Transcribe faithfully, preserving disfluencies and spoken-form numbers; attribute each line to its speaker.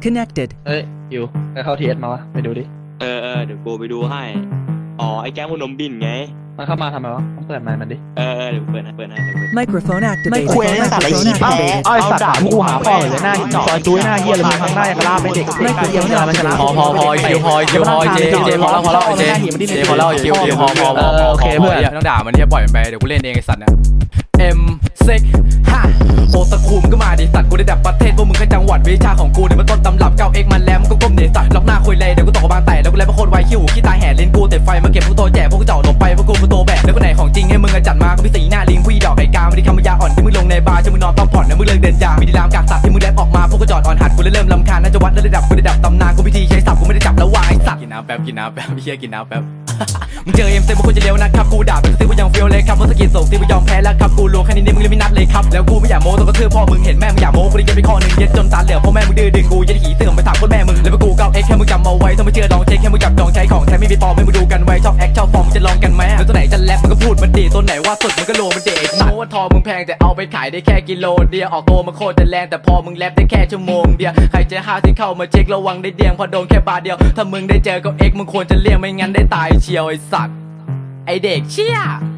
Speaker 1: Connected
Speaker 2: เอ้ยอยู่ไปเข้าทีเอสมาวะไปดูดิ
Speaker 3: เออเออเดี๋ยวกูไปดูให้อ๋อไอ้แก๊งพนมบินไง
Speaker 2: มันเข้ามาทำไมวะต้องเปิดไมค์มันดิ
Speaker 3: เออเออเดี๋ยวเปิดให้เปิดให้เดี๋ยวเปิด
Speaker 1: Microphone activated
Speaker 4: คุยไอ้สัตว์ไอ้ชี้แพ้
Speaker 2: ไอ้สัตว์ด่ากูหาพ่อเลยหน้าซอยจุ้ยหน้าเฮียเลยมึงทำหน้าอย่างกระลาเป็นเด็กเด็กเฮียมันชนะ
Speaker 5: พอพอพอคิวพอคิวพอเจเจพอแล้วพอแล้วเจเจพอแล้วคิวคิวพอพอพอโอเคเพื่อนไม่ต้องด่ามันที่ปล่อยมันไปเดี๋ยวกูเล่นเองไอ้สัตว์เนี่ยเอ็มเซ็กฮะโอตะคุมก็มาดิสัตว์กูได้ดับประเทศพวกมึงแค่จังหวัดวิชาของกูเนี่ยมันต้นตำรับเก้าเอ็กมันแล้วมันก็ก้มเดสัตว์ล็อกหน้าคุยเลยเดี๋ยวกูตกบางแตกแล้วกูเลยมาโคตรไวขี้หูขี้ตาแห่ลิ้นกูเตะไฟมาเก็บพวกโตแจกพวกเจ้าหลบไปพวกกูพวกโตแบกแล้วก็ไหนของจริงให้มึงจัดมาก็พี่สีหน้าลิงพี่ดอกไก่กาไม่ได้คำยาอ่อนที่มึงลงในบาร์จะมึงนอนพักผ่อนนะมึงเลิกเดินจามีดีรามกากสัตว์ที่มึงแลบออกมาพวกกูจอดอ่อนหัดกูเลยเริ่มลำคาญน่าจะวัดระดับกูได้ดับตำนานกูพิธีใช้ศัพท์กูไม่ได้จับแล้ววางไอ้สัตว์กินน้ำแป๊บกินน้ำแป๊บพี่เชี่ยกินน้ำแป๊บมึงเจอเอ็มเซ็งพวกกูจะเร็วนะครับกูด่าเป็นซิกูยังเฟี้ยวเลยครับเพราะสกินส่งซิกูยอมแพ้แล้วครับกูลวงแค่นี้นี่มึงเลยไม่นัดเลยครับแล้วกูไม่อยากโม้ต้องกระทืบพ่อมึงเห็นแม่มึงอยากโม้กูได้ยัดไปข้อหนึ่งเย็ดจนตาเหลือกพ่อแม่มึงดื้อดึงกูยัดหีเสื่อมไปถามพ่อแม่มึงแล้วกูเก้าเอ็กแค่มึงจำเอาไว้ถ้าไม่เชื่อลองเช็คแค่มึงจับจองใช้ของแท้ไม่มีปลอมให้มึงดูกันไว้ชอบแอคชอบฟอร์มจะลองกันไหมแล้วตัวไหนจะแรปมึงก็พูดมันดีตัวไหนว่าสุดมึงก็โลมันเด็กโม้ว่าทองมึงแพงแต่เอาไปขายได้แค่กิโลเดียวออกตัวมาโคตรจะแรงแต่พอมึงแรปได้แค่ชั่วโมงเดียวใครจะห้าวที่เข้ามาเช็คระวังได้เดียงพอโดนแค่บาทเดียวถ้ามึงได้เจอเก้าเอ็กมึงควรจะเลี่ยงไม่งั้นได้ตายเชียวไอ้สัตว์ไอเด็กเชี่ย